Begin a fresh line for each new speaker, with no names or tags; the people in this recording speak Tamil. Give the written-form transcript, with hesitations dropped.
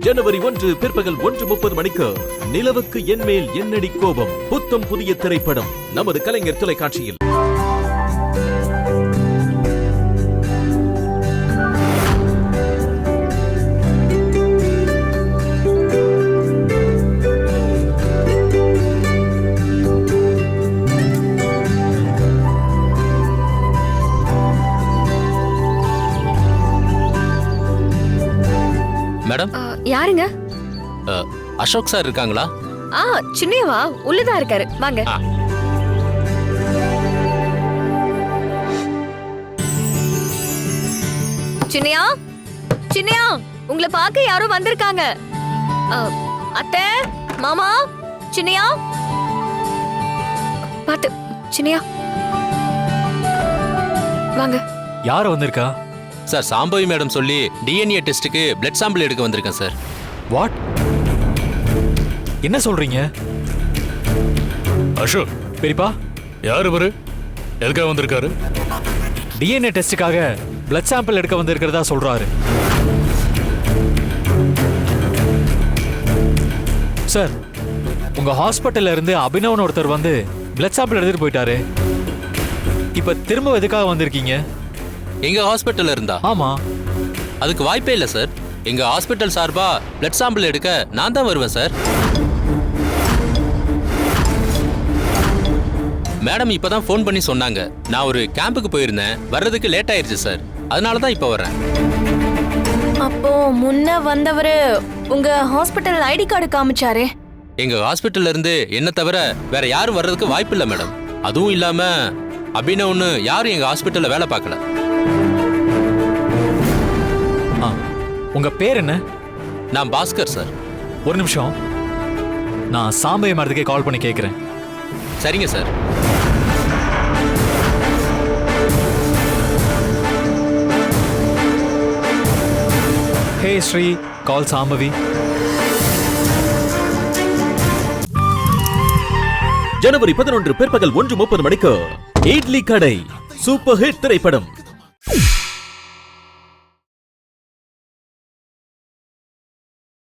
ஜனவரி 1 பிற்பகல் 1:30 மணிக்கு நிலவுக்கு என்மேல் என்னடி கோபம் புத்தம் புதிய திரைப்படம் நமது கலைஞர் தொலைக்காட்சியில்.
மேடம்,
யாருங்க?
அசோக் சார் இருக்காங்களா?
சின்னையவா உள்ளதா இருக்காரு, வாங்க. சின்னையா, சின்னையா, உங்களை பார்க்க யாரோ வந்திருக்காங்க. அத்தை, மாமா, சின்னையா, பாத்து, சின்னையா, வாங்க.
யார் வந்திருக்கா?
சார், சாம்பவி மேடம் சொல்லி டிஎன்ஏ டெஸ்ட்டுக்கு பிளட் சாம்பிள் எடுக்க வந்திருக்கேன் சார்.
வாட்? என்ன சொல்றீங்க?
அசோக்,
பெரியப்பா,
யார் இவரு? எதுக்காக வந்திருக்காரு?
டிஎன்ஏ டெஸ்டுக்காக பிளட் சாம்பிள் எடுக்க வந்திருக்கிறதா சொல்றாரு. சார், உங்க ஹாஸ்பிட்டல்ல இருந்து அபினவன் ஒருத்தர் வந்து பிளட் சாம்பிள் எடுத்துட்டு போயிட்டாரு. இப்ப திரும்ப எதுக்காக வந்திருக்கீங்க?
எங்க ஹாஸ்பிட்டல்ல இருந்தா?
ஆமா.
அதுக்கு வாய்ப்பே இல்லை சார். எங்க ஹாஸ்பிட்டல் சார்பா பிளட் சாம்பிள் எடுக்க நான் தான் வருவேன் சார். மேடம் இப்பதான் ஃபோன் பண்ணி சொன்னாங்க. நான் ஒரு கேம்புக்கு போயிருந்தேன், வர்றதுக்கு லேட் ஆயிருச்சு சார். அதனால தான் இப்ப வர்றேன்.
அப்போ முன்ன வந்தவரு உங்க ஹாஸ்பிட்டல் ஐடி கார்டு காமிச்சாரே?
எங்க ஹாஸ்பிட்டல்ல இருந்து என்ன தவிர வேற யாரும் வர்றதுக்கு வாய்ப்பு இல்லை மேடம். அதுவும் இல்லாம அபினவ்னு யாரும் எங்க ஹாஸ்பிட்டல்ல வேலை பார்க்கல.
உங்க பேர் என்ன?
நான் பாஸ்கர் சார்.
ஒரு நிமிஷம், நான் சாம்பவி மேடத்துக்கே கால் பண்ணி கேட்கிறேன்.
சரிங்க sir.
Hey Sri, call Shambhavi.
ஜனவரி 11 பிற்பகல் 1:30 மணிக்கு இட்லி கடை சூப்பர் ஹிட் திரைப்படம்.